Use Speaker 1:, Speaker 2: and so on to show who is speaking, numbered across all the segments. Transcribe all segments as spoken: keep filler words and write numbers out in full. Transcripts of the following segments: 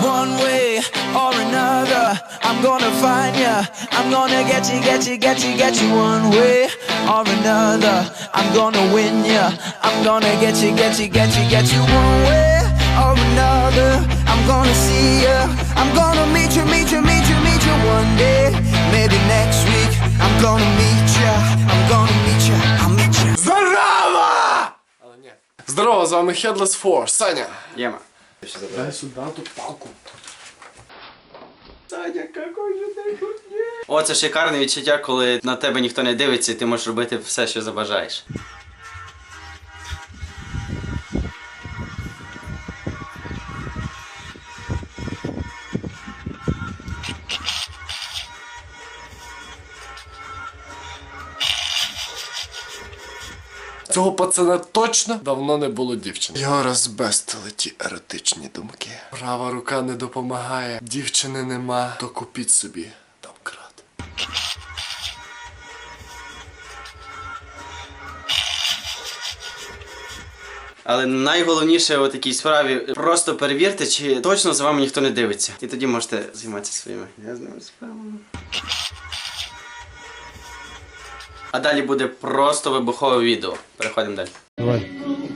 Speaker 1: One way or another, I'm gonna find ya. I'm gonna get you, get you, get you, get you. One way or another, I'm gonna win ya. I'm gonna get you, get you, get you, get you. One way or another, I'm gonna see ya. I'm gonna meet you, meet you, meet you, meet you one day. Maybe next week, I'm gonna meet ya. I'm gonna meet ya, I'll meet ya.
Speaker 2: Здорово! Але ні. Здорово, з вами Headless Four, Саня.
Speaker 3: Єма.
Speaker 2: Дай сюди ту палку. Саня, какой же ти крутий.
Speaker 3: О, це шикарне відчуття, коли на тебе ніхто не дивиться і ти можеш робити все, що забажаєш.
Speaker 2: Цього пацана точно давно не було дівчини. Його розбестили ті еротичні думки. Права рука не допомагає, дівчини нема, то купіть собі домкрат.
Speaker 3: Але найголовніше у такій справі просто перевірте, чи точно за вами ніхто не дивиться. І тоді можете займатися своїми грязними справами. А далі буде просто вибухове відео. Переходимо далі.
Speaker 2: Давай.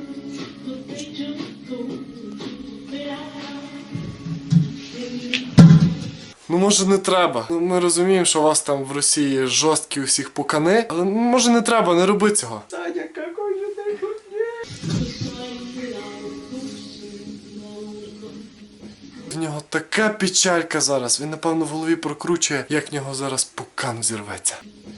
Speaker 2: Ну може не треба. Ну, ми розуміємо, що у вас там в Росії жорсткі усіх пукани, але ну, може не треба, не роби цього. Саня, какой же ти крутий. В нього така печалька зараз. Він, напевно, в голові прокручує, як в нього зараз пукан взірветься.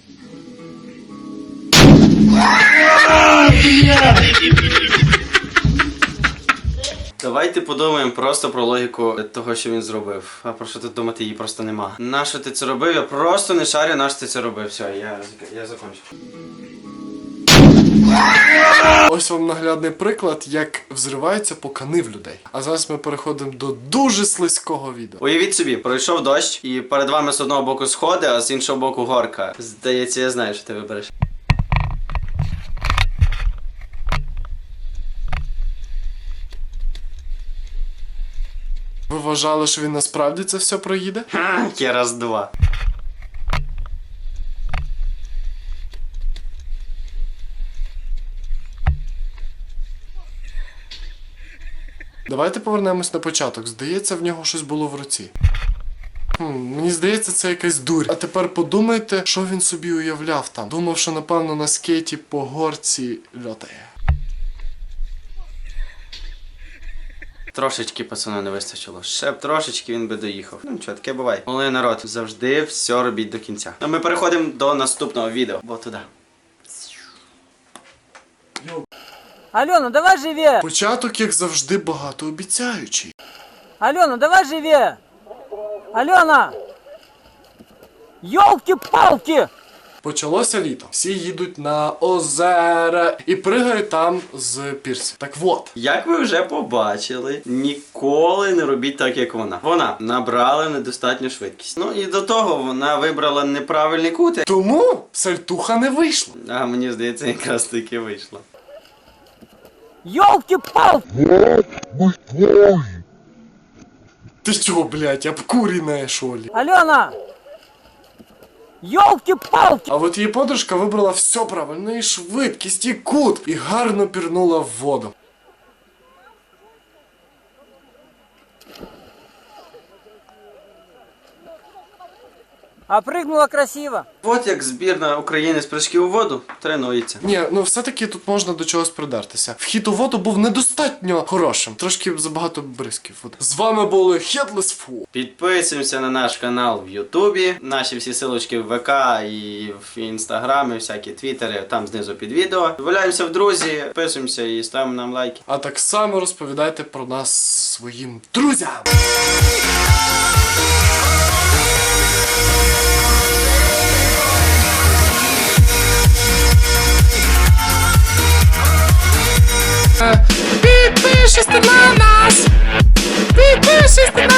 Speaker 3: Давайте подумаємо просто про логіку того, що він зробив. А про що тут думати, її просто нема. Нащо ти це робив? Я просто не шарю, нащо ти це робив. Все, я, я закончив.
Speaker 2: Ось вам наглядний приклад, як взриваються пукани в людей. А зараз ми переходимо до дуже слизького відео.
Speaker 3: Уявіть собі, пройшов дощ, і перед вами з одного боку сходи, а з іншого боку горка. Здається, я знаю, що ти вибереш.
Speaker 2: Ви вважали, що він насправді це все проїде?
Speaker 3: Ха, є раз-два.
Speaker 2: Давайте повернемось на початок. Здається, в нього щось було в руці. Хм, мені здається, це якась дурь. А тепер подумайте, що він собі уявляв там. Думав, що, напевно, на скейті по горці льотає.
Speaker 3: Трошечки пацану не вистачило. Ще б трошечки він би доїхав. Ну нічого, таке буває. Але народ, завжди все робіть до кінця. А ми переходимо до наступного відео. Бо туди.
Speaker 4: Алена, давай живее!
Speaker 2: Початок, як завжди, багатообіцяючий.
Speaker 4: Алена, давай живее! Алена! Ёлки-палки!
Speaker 2: Почалося літо. Всі їдуть на озера і пригають там з пірсів. Так от.
Speaker 3: Як ви вже побачили, ніколи не робіть так, як вона. Вона набрала недостатню швидкість. Ну і до того вона вибрала неправильний кут.
Speaker 2: Тому сальтуха не вийшла.
Speaker 3: А мені здається, якраз таки вийшло.
Speaker 4: Ёлки-палки!
Speaker 2: Ти що, блядь, обкуренная, що ли?
Speaker 4: Алена! Ёлки-палки!
Speaker 2: А от її подружка вибрала все правильно, і швидкість, і кут, і гарно пірнула в воду.
Speaker 4: А прыгнула красиво.
Speaker 3: От як збірна України з прыжків у воду тренується.
Speaker 2: Ні, ну все-таки тут можна до чогось придертися. Вхід у воду був недостатньо хорошим. Трошки забагато бризків. З вами були Headless Four.
Speaker 3: Підписуємося на наш канал в Ютубі. Наші всі силочки в ВК і в Інстаграмі, всякі твіттери, там знизу під відео. Валяємося в друзі, підписуємося і ставимо нам лайки.
Speaker 2: А так само розповідайте про нас своїм друзям.
Speaker 5: Підпишись на нас! Підпишись на